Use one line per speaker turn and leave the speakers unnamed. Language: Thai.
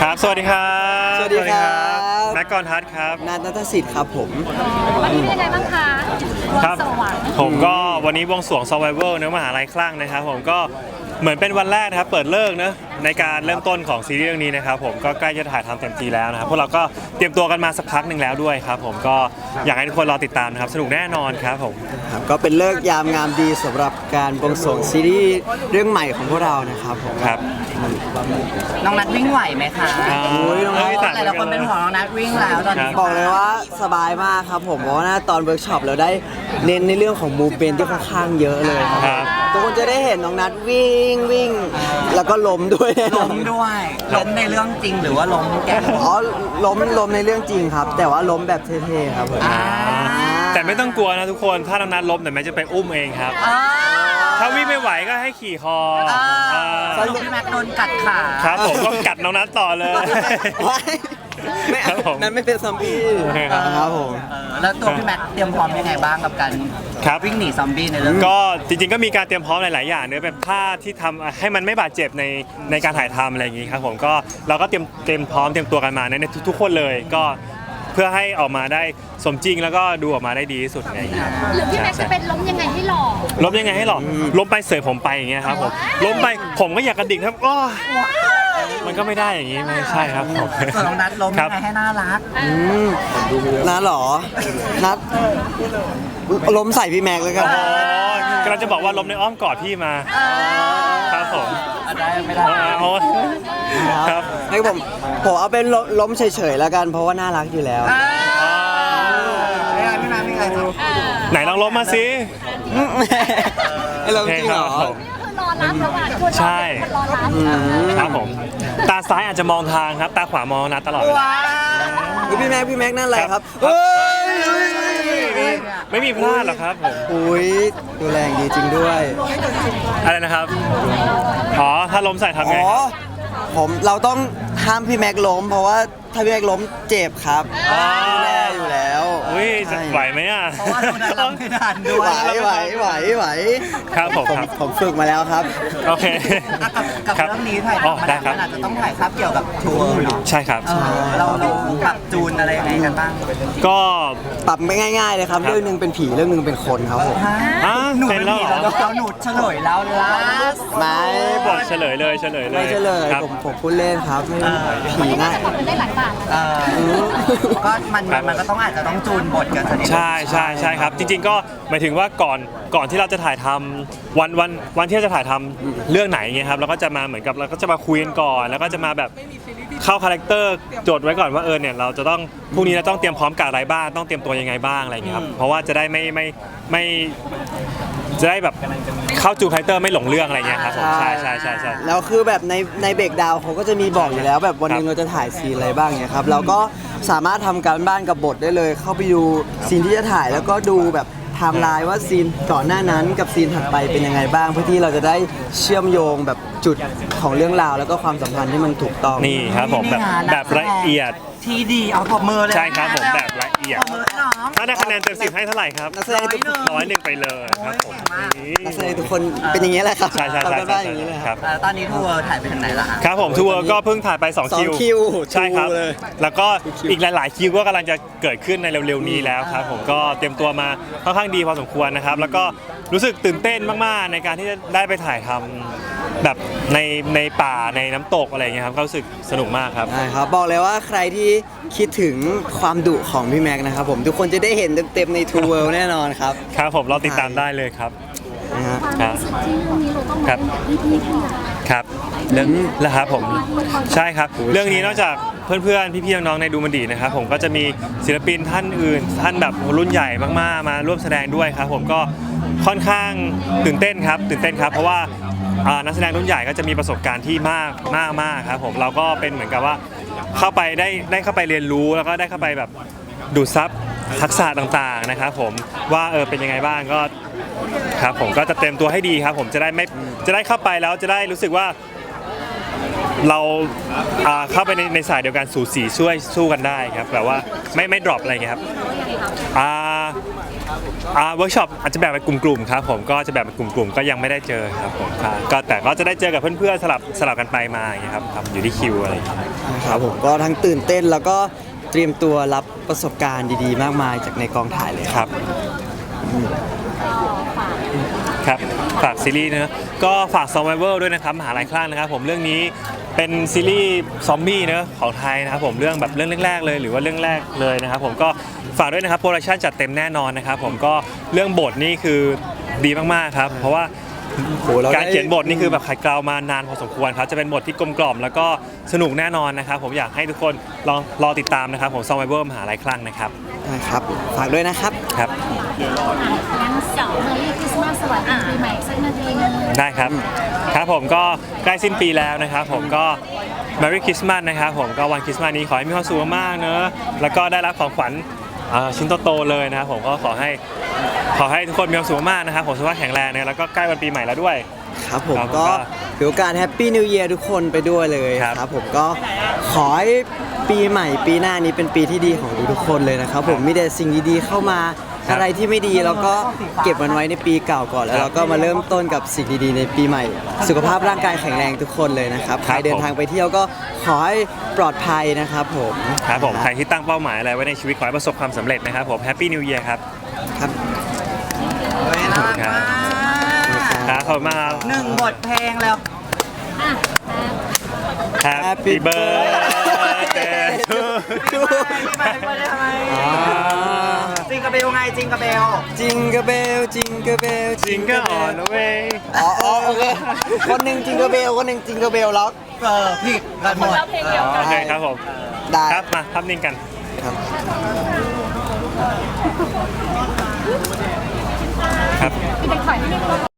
ครับสวัสดีครับ
สวัสดีครับ
แม็กกรทัศน์ครับ
นัทสิทธิ์ครับผม
วันนี้เป็นยังไงบ้างคะ
ครับผมก็วันนี้บวงสรวง Survivor เนื้อมหาลัยคลั่งนะครับผมก็เหมือนเป็นวันแรกนะครับเปิดเลิกเนอะในการเริ่มต้นของซีรีส์เรื่องนี้นะครับผมก็ใกล้จะถ่ายทำเต็มทีแล้วนะครับพวกเราก็เตรียมตัวกันมาสักพักหนึ่งแล้วด้วยครับผมก็อยากให้ทุกคนรอติดตามนะครับสนุกแน่นอนครับผม
ก็เป็นเลิกยามงามดีสำหรับการบวงสรวงซีรีส์เรื่องใหม่ของพวกเรานะครับผม
ครับ
น้องนัทวิ่งไหวไหมคะ
น้องนัท
หลายๆคนเป็นห่วงน้องนัทวิ่งแล้วตอนนี้
บอกเลยว่าสบายมากครับผมเพราะว่าตอนเวิร์กช็อปเราได้เน้นในเรื่องของมูฟเมนท์ที่ค่อนข้างเยอะเลยครับทุกคนจะได้เห็นน้องนัทวิ่งแล้วก็ล้มด้วย
ล้มในเรื่องจริงหรือว่าล้มแกล้ง
ล้มในเรื่องจริงครับแต่ว่าล้มแบบเท่ๆครับผม
แต่ไม่ต้องกลัวนะทุกคนถ้าน้องนัทล้มแต่แม่จะไปอุ้มเองครับถ้าวิ่งไม่ไหวก็ให้ขี่คอ
สรุปพี่แม็กโดนกัดขา
ครับผมก็กัดน้องนัทต่อเลย
ไม่นั่นไม่เป็นซอมบี้ครับผม
แล้วตัวพี่แม็กเตรียมพร้อมยังไงบ้างกับการวิ่งหนีซอมบี้ในเรื่อง
ก็จริงๆก็มีการเตรียมพร้อมหลายๆอย่างเนื้อเป็นท่าที่ทำให้มันไม่บาดเจ็บในการถ่ายทำอะไรอย่างนี้ครับผมก็เราก็เตรียมพร้อมเตรียมตัวกันมาในทุกคนเลยก็เพื่อให้ออกมาได้สมจริงแล้วก็ดูออกมาได้ดีที่สุดอะไรอย่างเงี้ย
หรือพี่แม็กจะเป็นล้มยังไงให้หล่อ
ล้มยังไงให้หล่อล้มไปเสยผมไปอย่างเงี้ยครับผมล้มไปผมก็อยากกระดิกครับก็มันก็ไม่ได้อย่างงี้ไม่ใช่ครับผม
ส่วนน้องนัทล้มยังไงให้น่ารัก
นัทหรอนัทล้มใส่พี่แม็กเลยครับ
กำลังจะบอกว่าล้มในอ้อมกอดพี่มาครับผม
ได้ไม่ได้
ครับ
ให้ผมเอาเป็นล้มเฉยๆแล้วกันเพราะว่าน่ารักอยู่แล้ว
ไม่มาไม่ไง
ไหนลองล้มมาสิ
ไอ้ล้มจริงเหรอ
คือรอรับระหว่างคน
ใช่ครับผมตาซ้ายอาจจะมองทางครับตาขวามองนัทตลอด
พี่แม็กนั่นอะไรครับ
ไม่มีพลาดหรอกครับผม
อุ้ยดูแรงดีจริงด้วย
อะไรนะครับถ้าล้มใส่ทำไง
เราต้องห้ามพี่แม็กล้มเพราะว่าถ้าพี่แม็กล้มเจ็บครับดูแลอยู่แล้ว
อุ้ยไหวไหมอ่ะ
เพราะว่าเราไม่ทันด้วย
ไหว
ครับ
ผมฝึกมาแล้วครับ
โอเค
กับเรื่องนี้ถ่ายทำมันอาจจะต้องถ่ายครับเกี่ยวกับทัวร์เนาะ
ใช่ครับ
เราปรับจูนอะไรยังไงกันบ้าง
ก็
ปรับไม่ง่ายๆเลยครับเรื่องนึงเป็นผีเรื่องนึงเป็นคนครับผม
หนูเป็นผีแล้วหนูเฉลยแล้วล่ะ
ไม่
บอกเฉลยเลย
ไม่เฉลยผมพูดเล่นครับผีนะ
ได้หลายบาท
ก็มันก็ต้องอาจจะต้องจูนบทกัน
ใช่ครับจริงๆก็หมายถึงว่าก่อนที่เราจะถ่ายทำวันที่เราจะถ่ายทำเรื่องไหนเงี้ยครับเราก็จะมาเหมือนกับเราก็จะมาคุยกันก่อนแล้วก็จะมาแบบเข้าคาแรคเตอร์โจทย์ไว้ก่อนว่าเนี่ยเราจะต้องพรุ่งนี้เราต้องเตรียมพร้อมกับอะไรบ้างต้องเตรียมตัวยังไงบ้างอะไรเงี้ยครับเพราะว่าจะได้ไม่จะได้แบบเข้าจูคาแรคเตอร์ไม่หลงเรื่องอะไรเงี้ยครับผมใช่
แล้วคือแบบในเบรกดาวเขาก็จะมีบอกอยู่แล้วแบบวันนึงเราจะถ่ายซีนอะไรบ้างเนี่ยครับเราก็สามารถทำการบ้านกับบทได้เลยเข้าไปดูซีนที่จะถ่ายแล้วก็ดูแบบไทม์ไลน์ว่าซีนก่อนหน้านั้นกับซีนถัดไปเป็นยังไงบ้างเพื่อที่เราจะได้เชื่อมโยงแบบจุดของเรื่องราวแล้วก็ความสัมพันธ์ที่มันถูกต้อง
นี่ครับผมแบบละเอียด
ทีดีเอาปรบมือเลย
ใช่ครับผมแบบละเอียดถ้าได้คะแนนเต็ม10ให้เท่าไหร่ครับ
นักแสดง
100ไปเลยครับผม
นักแสดงทุกคนเป็นอย่างนี้แหละครับ
ใช่
ครับตอนนี้ทัวร์ถ่ายไปถึงไหนแล้ว
ครับผมทัวร์ก็เพิ่งถ่ายไป2คิวใช่ครับแล้วก็อีกหลายๆคิวก็กำลังจะเกิดขึ้นในเร็วๆนี้แล้วครับผมก็เตรียมตัวมาค่อนข้างดีพอสมควรนะครับแล้วก็รู้สึกตื่นเต้นมากๆในการที่จะได้ไปถ่ายทำแบบในป่าในน้ำตกอะไรอย่างเงี้ยครับก็รู้สึกสนุกมากครับ
ใช่ครับบอกเลยว่าใครที่คิดถึงความดุของพี่แม็กนะครับผมทุกคนจะได้เห็นเต็มๆในทูเวิลด์แน่นอนครับ
ครับผมเราติดตามได้เลยครับครับเรื่องแล้วครับผมใช่ครับเรื่องนี้นอกจากเพื่อนๆพี่ๆน้องๆในดูมันดีนะครับผมก็จะมีศิลปินท่านอื่นท่านแบบรุ่นใหญ่มากๆมาร่วมแสดงด้วยครับผมก็ค่อนข้างตื่นเต้นครับเพราะว่านักแสดงรุ่นใหญ่ก็จะมีประสบการณ์ที่มากครับผมเราก็เป็นเหมือนกับว่าเข้าไปได้เข้าไปเรียนรู้แล้วก็ได้เข้าไปแบบดูดซับทักษะต่างๆนะครับผมว่าเป็นยังไงบ้างก็ครับผมก็จะเต็มตัวให้ดีครับผมจะได้เข้าไปแล้วจะได้รู้สึกว่าเราเข้าไปในสายเดียวกันสู่สีช่วยสู้กันได้ครับแบบว่าไม่ดรอปอะไรเงี้ยครับเวิร์กช็อปอาจจะแบบเป็นกลุ่มๆครับผมก็จะแบบเป็นกลุ่มๆก็ยังไม่ได้เจอครับผมก็แต่ก็จะได้เจอกับเพื่อนๆสลับกันไปมาอย่างเงี้ยครับอยู่ที่คิวอะไรอย่างเงี้ย
นะครับผมก็ทั้งตื่นเต้นแล้วก็เตรียมตัวรับประสบการณ์ดีๆ มากมายจากในกองถ่ายเลย
ค
ค
รั
รั
บบ ครับฝากซีรีส์นะก็ฝาก Survivor ด้วยนะครับมหาลัยคลั่งนะครับผมเรื่องนี้เป็นซีรีส์ซอมบี้นะของไทยนะครับผมเรื่องแรกๆเลยหรือว่าเรื่องแรกเลยนะครับผมก็ฝากด้วยนะครับโปรดักชันจัดเต็มแน่นอนนะครับผมก็เรื่องบทนี่คือดีมากๆครับเพราะว่าการเขียนบทนี่คือแบบขัดเกลามานานพอสมควรครับจะเป็นบทที่กลมกล่อมแล้วก็สนุกแน่นอนนะครับผมอยากให้ทุกคนลองรอติดตามนะครับผม Survivor มหาลัยคลั่งนะครับ
นะครับฝากด้วยนะครับ
ครับ
งั้นเสาร์นี้คริสต์มาสสวัสดีปีใหม่สักนาทีนึง
ได้ครับครับผมก็ใกล้สิ้นปีแล้วนะครับผมก็ Merry Christmas นะครับผมก็วันคริสต์มาสนี้ขอให้มีความสุขมากๆเนอะแล้วก็ได้รับของขวัญชิ้นโตๆเลยนะครับผมก็ขอให้ทุกคนมีความสุขมากนะครับผมสุขภาพแข็งแรงนะแล้วก็ใกล้วันปีใหม่แล้วด้วย
ครับผม
ครับ
ก็ถือโอกาสแฮปปี้นิว e ย r ทุกคนไปด้วยเลย
ครับ
ครับผมก็ขอให้ปีใหม่ปีหน้านี้เป็นปีที่ดีของทุกๆคนเลยนะครับผมมีแต่สิ่งดีๆเข้ามา
ครับ
อะไรที่ไม่ดีเราก็เก็บมันไว้ในปีเก่าก่อนแล้ว
ครับ
เราก็มาเริ่มต้นกับสิ่งดีๆในปีใหม่ สุขภาพร่างกายแข็งแรงทุกคนเลยนะครับ
ค
ใค
รั
ร
บ
เดินทางไปเที่ยวก็ขอให้ปลอดภัยนะครับผม
ครับผมใครที่ตั้งเป้าหมายอะไรไว้ในชีวิตขอให้ประสบความสำเร็จนะครับผม Happy New Year ครับ
ครับ
น่ารักมาก
ครับขอบคุณมากครับ
หนึ่งบทเพลงแล้ว
Happy birthday to
จิงกระเบลไงจิงกระเบล
จิงกระเบลจิงกระเบล
Jingle all the way
อ๋อโอเคคนหนึ่งจิงกระเบลคนหนึ่งจิงกระเบลล็อก
ผิดกันหมด
โอเคครับผม
ได้
ครับมาภาพนิ่งกัน
ครับ
ครับ
พี่เด็กถอยนิดนึง